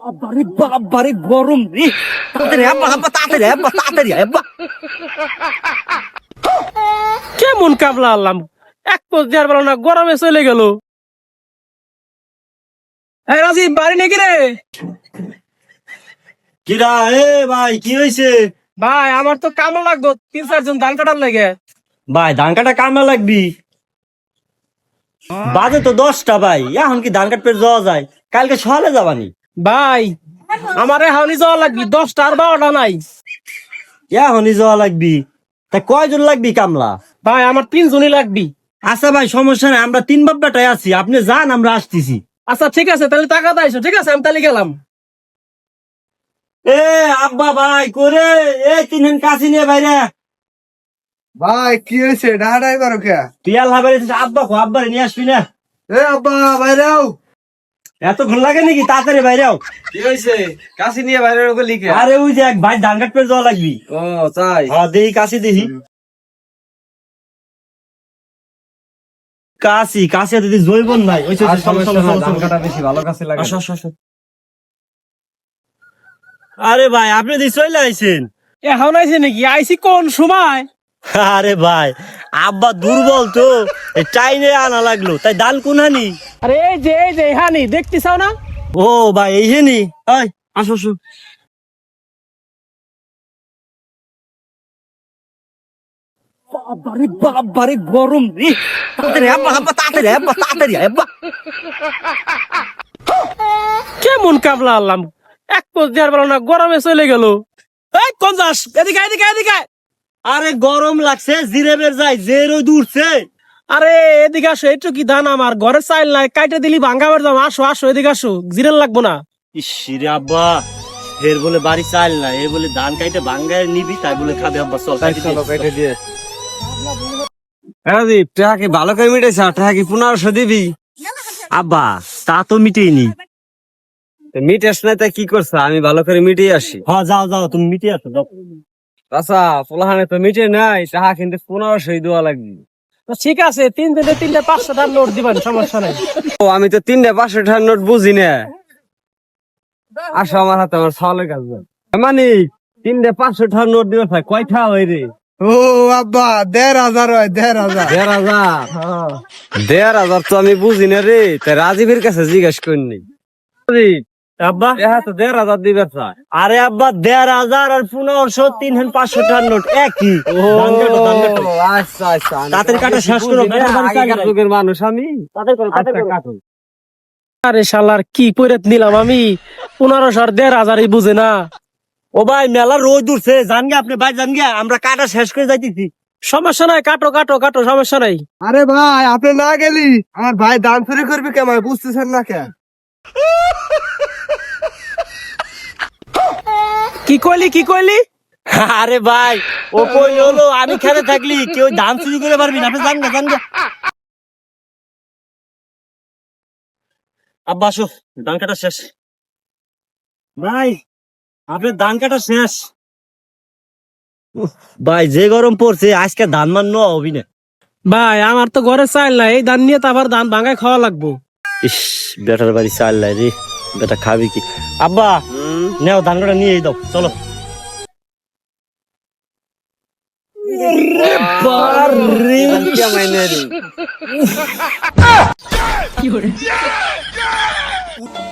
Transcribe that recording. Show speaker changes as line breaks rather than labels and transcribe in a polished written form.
বাবারে বাবারে গরম রে, তাড়াতাড়ি আব্বা আব্বা তাড়াতাড়ি আব্বা তাড়াতাড়ি আব্বা।
কেমন কাবলা আনলাম, এক পোজ দেওয়ার বেলা না গরমে চলে গেল। এই রাজীব বাড়ি নাকি রে?
কিরা এ ভাই কি হয়েছে?
ভাই আমার তো কামড় লাগতো 3-4 জন ধান কাটার লাগে।
ভাই ধান কাটা কামে লাগবি, বাজে তো 10টা ভাই, এখন কি ধান কাটতে যাওয়া যায়? কালকে সকালে যাবানি।
ভাই আমারে হাওনি যাওয়া লাগবি, 10টা আর 12টা নাই।
এখনই যাওয়া লাগবি, তা কয়জন লাগবি কামলা?
ভাই আমার 3 জনই লাগবি।
আচ্ছা ভাই সমস্যা নাই, আমরা 3 বাপটাই আছি, আপনি যান আমরা আসতেছি।
আচ্ছা ঠিক আছে, তাহলে টাকা দাইছো, ঠিক আছে আমি তাহলে গেলাম।
এ আব্বা ভাই করে এই 3 কাছি নিয়ে বাইরে।
ভাই কি হয়েছে ডাহাডাই করো কে?
তুই আল্লাহ বাইরে আব্বা কো আব্বারে নিয়ে আসবি না?
এ আব্বা বাইরেও
এতক্ষণ লাগে নাকি? তাড়াতাড়ি বাইরেও।
কি হয়েছে? কাশি নিয়ে বাইরে ওকে লিখে।
আরে ওই যে এক ভাই ধান কাটতে যাওয়া লাগবি।
ও তাই?
হ্যাঁ দেখি কাশি দেখি। কাশি কাশি দিদি জৈবন নাই ওই
আর সমস্যা না, ধান কাটা বেশি ভালো কাছে লাগে।
আরে ভাই আপনি দি চলে আইছেন?
এখন আইছে নাকি? আইছি কোন সময়?
আরে ভাই আব্বা দুর্বল তো, এই চাইনে আনা লাগলো, তাই দান কোনহানি?
আরে এই যে হানি দেখতেছাও না?
ও ভাই এই হেনি, ওই আসো আসো। বাবারে বাবারে গরম রে, তাড়াতাড়ি আব্বা আব্বা তাড়াতাড়ি আব্বা তাড়াতাড়ি আব্বা।
কেমন কাবলা আনলাম, এক পোজ দেওয়ার বেলা না গরমে চলে গেল। এই কোন যাস? এদিকে এদিকে এদিকে।
আরে গরম লাগছে, জিরে বের যাই যে রোদ উঠছে।
আরে এদিকে আসো, একটু কি ধান আমার ঘরে চাইল নাই, কাইটে দিলি ভাঙ্গাবার দাম। আসো আসো এদিকে আসো, জিরেল লাগবো না।
ইসিরে আব্বা, এর বলে বাড়ি চাল না, এর বলে ধান কাইতে ভাঙ্গায় নিবি, তাই বলে খাবে আব্বা। চল
চলো কেটে দিয়ে। হ্যাঁ দীপ টাকা কি ভালো করে মিটেছে? টাকা কি 1500 দিবি?
আব্বা তা তো মিটেইনি।
মিটেস নাই তা কি করছ? আমি ভালো করে মিটিয়ে আসি।
হ্যাঁ যাও যাও তুমি মিটে আসো যাও।
আচ্ছা পোলাহানে তো মিটে নাই, টাকা কিন্তু 1500 দেওয়া লাগবে।
তো ঠিক আছে, 3 দিনে 3টা 500 টাকার নোট দিবেন, সমস্যা নাই।
ও আমি তো 3টা 500 টাকার নোট বুঝি না। আসো আমার হাতে, আমার ছাওয়ালের কাজ মানে 3টা 500 টাকার নোট দিবে ভাই, কয়টা হয় রে?
ও আব্বা 1500 হয় 1500।
1500? 1500 তো আমি বুঝি না রে, তাই রাজীবের কাছে জিজ্ঞেস করিনি।
আব্বা
তো 1500 দিবে চাই।
আরে আব্বা 1500 আর 1500 3,500 টাকার নোট একই। ধান কাটো, ধান কাটো।
আচ্ছা আচ্ছা,
তাড়াতাড়ি কাটা শেষ করো, বেটার বাড়ি চাই
আগেকার
নাই।
যুগের মানুষ আমি।
তাড়াতাড়ি করো, তাড়াতাড়ি
আচ্ছা,
করো।
কাটুন।
আরে শালার কি পয়রাত নিলাম আমি, 1500 আর 1500 বুঝে না।
ও ভাই মেলা রোদ উঠছে, জান গে আপনি ভাই, জান গে আমরা কাটা শেষ করে যাইতেছি।
সমস্যা নাই, কাটো কাটো কাটো, সমস্যা নাই।
আরে ভাই আপনি না গেলি আমার ভাই দান চুরি করবে কেমন বুঝতেছেন না কে?
কি কইলি কি কইলি?
আরে ভাই ও কই হলো, আমি খেলে থাকলি কেউ ধান চুরি করে পারবি না, আপনি জান গে জান গে। আব্বা আসো, ধান কাটা শেষ। ভাই আপনার ধান কাটা শেষ। ভাই যে গরম পড়ছে আজকে ধান মান নেওয়া হবি না।
ভাই আমার তো ঘরে চাইল নাই, এই ধান নিয়ে তো আবার ধান ভাঙায় খাওয়া লাগবো।
ইস বেটার বাড়ি চাল নাই রে, বেটা খাবি কি? আব্বা নেও ধান কাটা নিয়ে দাও, চলো।
কে মাইনে রে?